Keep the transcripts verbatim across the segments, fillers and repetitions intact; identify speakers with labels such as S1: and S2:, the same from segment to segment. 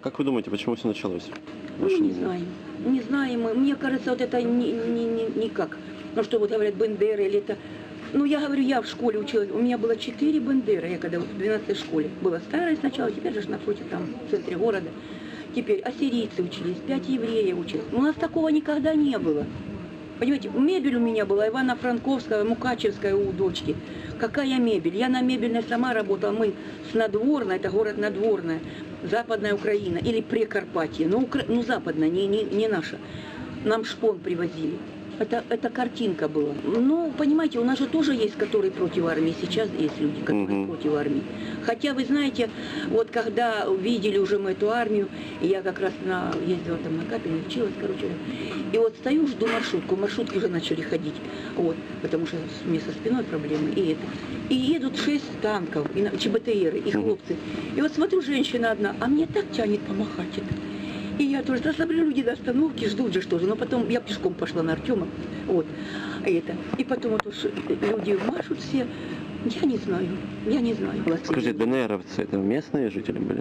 S1: Как вы думаете, почему все началось?
S2: Ну, не знаю. Не знаем мы. Мне кажется, вот это не, не, не, никак. Ну, что вот говорят, Бендеры или это... Ну, я говорю, я в школе училась. У меня было четыре Бендеры. Я когда в двенадцатой школе. Была старая сначала, теперь же напротив, там, в центре города. Теперь ассирийцы учились, пять евреев учились. У нас такого никогда не было. Понимаете, мебель у меня была Ивано-Франковская, Мукачевская у дочки. Какая мебель? Я на мебельной сама работала. Мы с Надворной, это город Надворная, Западная Украина или Прикарпатье. Ну, Укра... ну западная, не, не, не наша. Нам шпон привозили. Это, это картинка была. Ну, понимаете, у нас же тоже есть, которые против армии. Сейчас есть люди, которые mm-hmm. против армии. Хотя, вы знаете, вот когда видели уже мы эту армию, и я как раз на, ездила там на капель, училась, короче, и вот стою, жду маршрутку, маршрутки уже начали ходить, вот, потому что у меня со спиной проблемы, и это. И едут шесть танков, и ЧБТРы, и хлопцы. И вот смотрю, женщина одна, а мне так тянет помахать это. И я тоже, да, смотрю, люди до остановки ждут же что-то, но потом я пешком пошла на Артема, вот, это. И потом вот уж люди машут все, я не знаю, я не знаю.
S1: Скажите, ДНРовцы это местные жители были?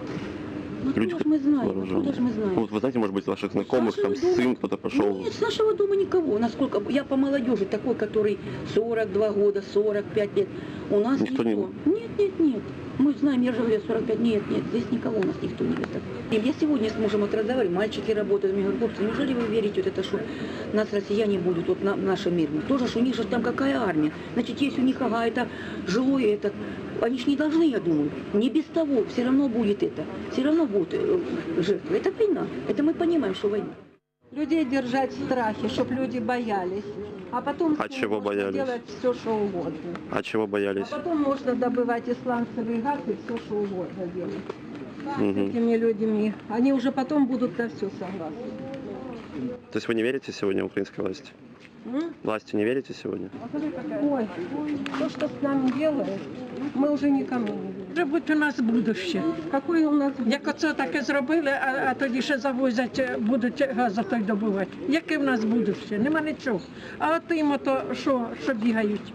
S2: Ну, откуда же мы знаем, откуда же мы знаем?
S1: Ну, вот вы знаете, может быть, ваших знакомых, там дома... сын кто-то пошел?
S2: Нет, с нашего дома никого. Насколько я по молодежи, такой, который сорок два года, сорок пять лет. У нас никто. никто. Не... Нет, нет, нет. Мы знаем, я же говорю, сорок пять, нет, нет, здесь никого у нас никто не видит. Я сегодня с мужем вот разговариваю, мальчики работают, мне говорят, хлопцы, неужели вы верите, вот это, что нас россияне будут вот на, в нашем мире? Тоже, что у них же там какая армия? Значит, есть у них какая-то жилое, это, они же не должны, я думаю, не без того, все равно будет это, все равно будут жертвы. Это война, это мы понимаем, что война.
S3: Людей держать в страхе, чтобы люди боялись. А потом
S1: а чего боялись?
S3: делать все, что угодно.
S1: А чего боялись?
S3: А потом можно добывать исландцевый газ и все, что угодно делать.
S1: Угу.
S3: С этими людьми. Они уже потом будут на все согласны.
S1: То есть вы не верите сегодня в украинской власти?
S3: М?
S1: Власти не верите сегодня?
S3: Ой, то, что с нами делают, ми вже нікому не віримо.
S4: Може бути у нас будуще.
S3: Какое у нас
S4: Як оце таке зробили, а, а тоді ще завозять, будуть газ той добувати. Яке в нас будуще? Нема нічого. А от їм ото, що, що бігають?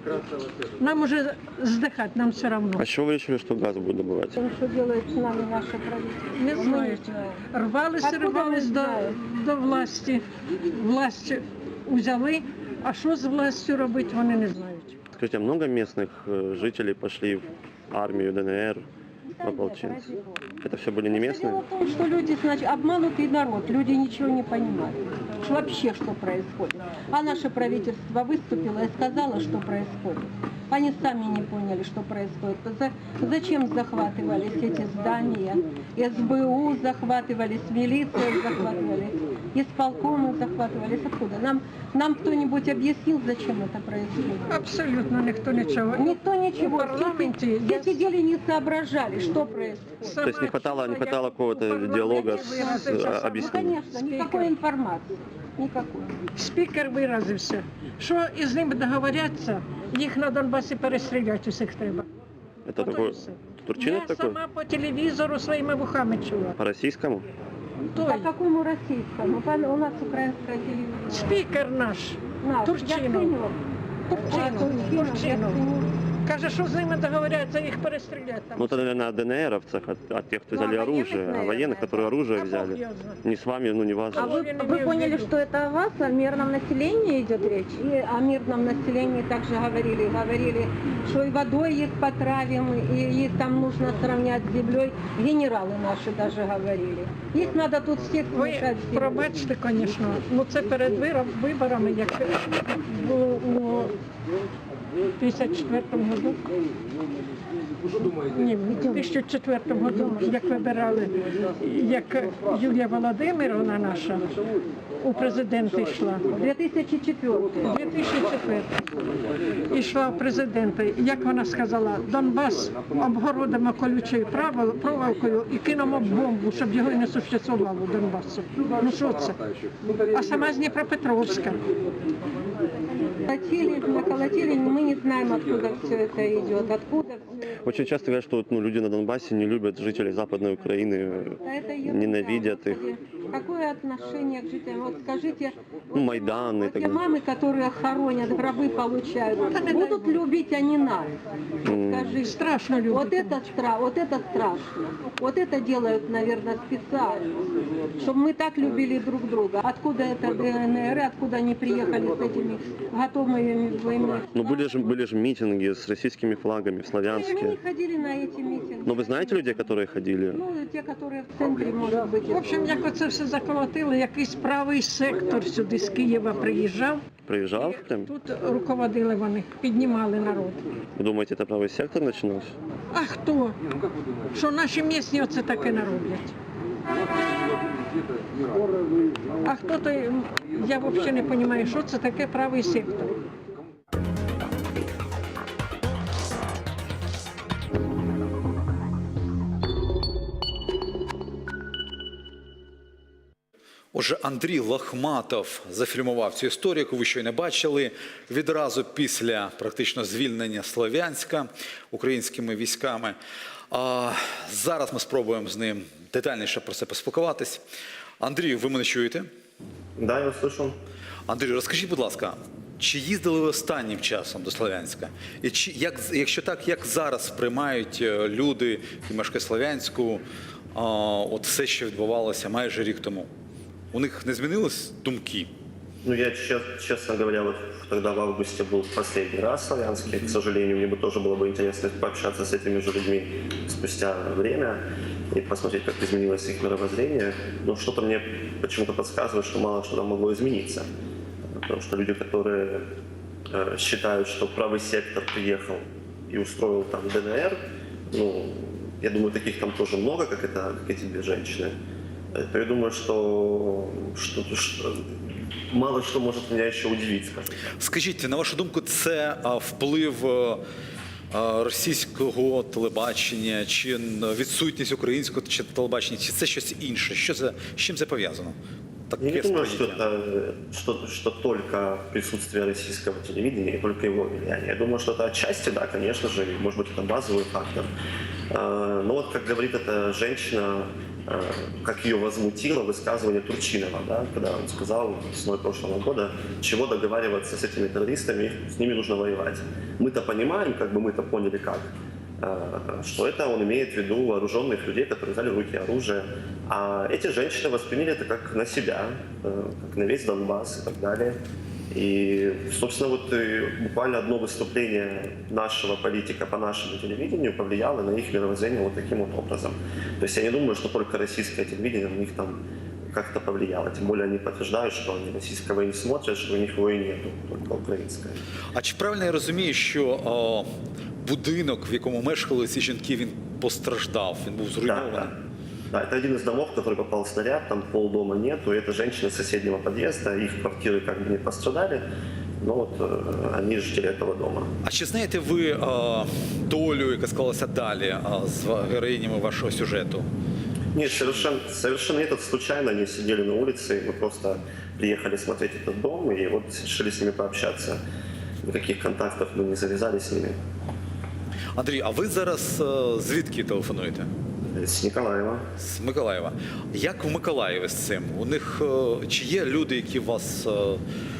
S4: Нам уже здихати, нам все одно.
S1: А с чего вы решили, что газ будет добывать?
S3: Что делает с нами наше правительство?
S4: Не знають. Рвалися, рвались до, до власті. Власть взяли, а що з властю робити, вони не знають.
S1: Скажите, а много местных жителей пошли в армию ДНР, в ополченцы? Это все были не местные?
S3: Дело в том, что люди, значит, обманутый народ, люди ничего не понимают. Вообще, что происходит. А наше правительство выступило и сказало, что происходит. Они сами не поняли, что происходит. За, зачем захватывались эти здания? СБУ захватывались, милиция захватывались, исполкомы захватывались. Откуда? Нам, нам кто-нибудь объяснил, зачем это происходит?
S4: Абсолютно ніхто нічого.
S3: Никто ничего.
S4: В парламенте
S3: Все сидели, не соображали, что происходит.
S1: То есть не хватало, не хватало какого-то диалога с
S3: Ну,
S1: объяснением?
S3: конечно, никакой информации. Никакой.
S4: Спікер виразився, що із ними договоряться, їх на Донбасі перестріляти усіх треба.
S1: Это
S4: Ото і
S1: такой
S4: все.
S1: турчинок
S4: Я
S1: такой?
S4: сама по телевізору своїми вухами чула.
S1: По российскому?
S3: По
S4: Той
S3: какому российскому? По- У нас украинская телевизия.
S4: спікер наш,
S3: Наш.
S4: Турчинов.
S3: Яценюк.
S4: Турчинов,
S3: Турчинов,
S4: Турчинов.
S3: Яценюк.
S4: Каже, що з ними договоряться, їх перестріляти там.
S1: Ну это, наверное, о ДНРовцах, от, от тех, кто
S3: Ну,
S1: взяли
S3: о военных,
S1: оружие, о
S3: наверное,
S1: военных, которые оружие
S4: А Бог
S1: взяли.
S4: его знает.
S1: Не с вами, ну не вас.
S3: А
S1: же.
S3: вы,
S4: Я не
S3: вы
S4: имею в
S3: поняли,
S4: виду.
S3: что это о вас, о мирном населении идет речь? И о мирном населении также говорили. Говорили, что и водой их потравим, и их там нужно сравнять с землей. Генералы наши даже говорили. Их надо тут всех
S4: Ви
S3: смешать с землей.
S4: пробачте, звісно, ну це перед вироб- виборами, як було у п'ятдесят четвертому году. Ні, в тисяча четвертому году, як вибирали, як Юлія Володимировна наша у президенти йшла.
S3: две тысячи четвёртый.
S4: дві тисячі четвертий йшла в президенти. Як вона сказала, Донбас обгородимо колючою правил- проволокою і кинемо бомбу, щоб його і не существувало Донбасу. Ну що це? А сама з Дніпропетровська.
S3: Колотили, наколотили, мы не знаем, откуда все это идет, откуда все это.
S1: Очень часто говорят, что вот, ну, люди на Донбассе не любят жителей Западной Украины,
S3: Да это ерунда,
S1: ненавидят их.
S3: Господи. Какое отношение к жителям? Вот скажите,
S1: Ну, Майдан и
S3: вот
S1: так
S3: те
S1: далее.
S3: мамы, которые хоронят, гробы получают, будут любить они нас? Вот скажите.
S4: Страшно любить.
S3: Вот это, стра... вот это страшно. Вот это делают, наверное, специально. Чтобы мы так любили друг друга. Откуда это ДНР, откуда они приехали с этими готовыми войны?
S1: Ну, были же, были же митинги с российскими флагами,
S3: Мы не
S1: славянские.
S3: ходили на эти митинги.
S1: Но вы знаете людей, которые ходили?
S3: Ну, те, которые в центре, может быть.
S4: В общем, як оце все заколотили, якийсь правий сектор сюди з Києва приїжджав.
S1: Приезжал прям?
S4: Тут руководили вони, піднімали народ.
S1: Вы думаете, это правый сектор начинался?
S4: А хто? Що наші місні оце таке нароблять? А хто то, я взагалі не розумію, що це таке правий сектор.
S5: Отже, Андрій Лохматов зафільмував цю історію, яку ви щойно бачили, відразу після практично звільнення Слов'янська українськими військами. А зараз ми спробуємо з ним детальніше про це поспілкуватись. Андрію, ви мене чуєте?
S1: Да, я услышал.
S5: Андрій, розкажіть, будь ласка, чи їздили ви останнім часом до Слов'янська? І чи, як, якщо так, як зараз сприймають е, люди, які мешкають Слов'янську, а, от все, що відбувалося майже рік тому? У них не змінились думки?
S1: Ну, я, чес- честно говоря, вот тогда в августе был последний раз в Славянске. К сожалению, мне бы тоже было бы интересно пообщаться с этими же людьми спустя время и посмотреть, как изменилось их мировоззрение. Но что-то мне почему-то подсказывает, что мало что там могло измениться. Потому что люди, которые э, считают, что правый сектор приехал и устроил там ДНР, ну, я думаю, таких там тоже много, как, это, как эти две женщины. То я думаю, что, что, что мало что может меня еще удивить, скажем так.
S5: Скажіть, на вашу думку, це а, вплив а, а, російського телебачення, чи н- відсутність українського чи телебачення, чи це щось інше? Що це, з чим це пов'язано? Таке
S1: Я не думаю, что
S5: сприйняття.
S1: это что, что только присутствие российского телевидения и только его влияние. Я думаю, что это отчасти, да, конечно же, и, может быть, это базовый фактор. Э, Но вот, как говорит эта женщина, э, как ее возмутило высказывание Турчинова, да, когда он сказал весной прошлого года, чего договариваться с этими террористами, с ними нужно воевать. Мы-то понимаем, как бы мы-то поняли как, э, что это он имеет в виду вооруженных людей, которые взяли в руки оружие. А эти женщины восприняли это как на себя, э, как на весь Донбасс и так далее. И, собственно, вот э, буквально одно выступление нашего политика по нашему телевидению повлияло на их мировоззрение вот таким вот образом. То есть я не думаю, что только российское телевидение на них там как-то повлияло. Тем более они подтверждают, что они российского и не смотрят, что у них его и нету, только украинское.
S5: А чи правильно я розумію, що о, будинок, в якому мешкали ці жінки, він постраждав, він був
S1: Да,
S5: зруйнований?
S1: да. Да, это один из домов, в который попал снаряд, там полдома нету, и это женщины из соседнего подъезда, их квартиры как бы не пострадали, но вот э, они жители этого дома.
S5: А чи знаєте ви о, долю, яка склалася далі о, з героїнями вашого сюжету?
S1: Нет, совершенно, совершенно нет, это случайно, они сидели на улице, и мы просто приехали смотреть этот дом, и вот решили с ними пообщаться. Никаких контактов мы не завязали с ними.
S5: Андрій, а ви зараз о, звідки телефонуєте?
S1: С Николаева.
S5: З Миколаєва. Як в Миколаєві з цим? У них о, чи є люди, які вас о,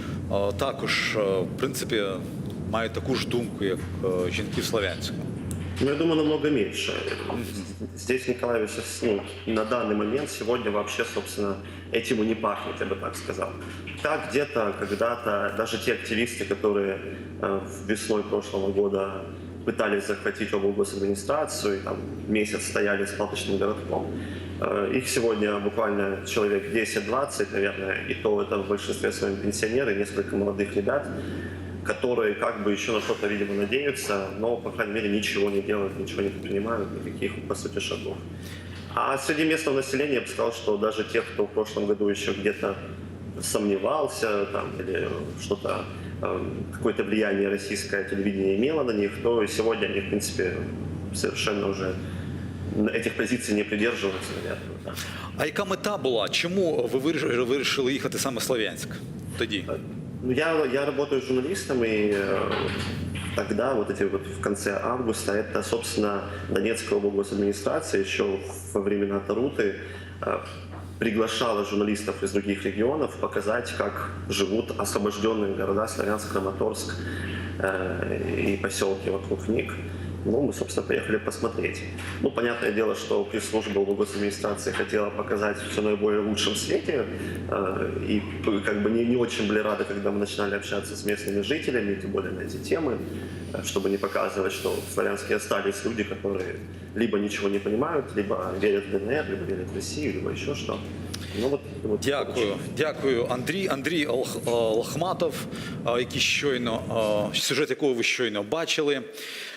S5: о, також, о, в принципі, мають таку ж думку, як о, жінки в Слов'янську?
S1: Ну, я думаю, намного меньше. Здесь в Николаеве сейчас, ну, на данный момент, сегодня вообще, собственно, этим и не пахнет, я бы так сказал. Так, где-то, когда-то, даже те активисты, которые э, весной прошлого года пытались захватить облгосадминистрацию, и там месяц стояли с палочным городком, э, их сегодня буквально человек десять-двадцать, наверное, и то это в большинстве своем пенсионеры, несколько молодых ребят, которые как бы еще на что-то, видимо, надеются, но, по крайней мере, ничего не делают, ничего не предпринимают, никаких, по сути, шагов. А среди местного населения я бы сказал, что даже тех, кто в прошлом году еще где-то сомневался там, или что-то, э, какое-то влияние российское телевидение имело на них, то сегодня они, в принципе, совершенно уже этих позиций не придерживаются, наверное. Да.
S5: А яка мета була? Чому ви вирішили, вирішили їхати саме в Слов'янськ тоді?
S1: Ну, я, я работаю журналистом, и э, тогда, вот эти вот в конце августа, это, собственно, Донецкая облгосадминистрация еще во времена Таруты э, приглашала журналистов из других регионов показать, как живут освобожденные города Славянск, Краматорск э, и поселки вокруг них. Ну, мы, собственно, поехали посмотреть. Ну, понятное дело, что пресс-служба госадминистрации хотела показать все наиболее лучшем свете. Э, и как бы не, не очень были рады, когда мы начинали общаться с местными жителями, тем более на эти темы, чтобы не показывать, что в Славянске остались люди, которые либо ничего не понимают, либо верят в ДНР, либо верят в Россию, либо еще что. Ну, от, от,
S5: Дякую, дякую, Андрій. Андрій Лох- Лохматов, а, який щойно, а, сюжет якого ви щойно бачили.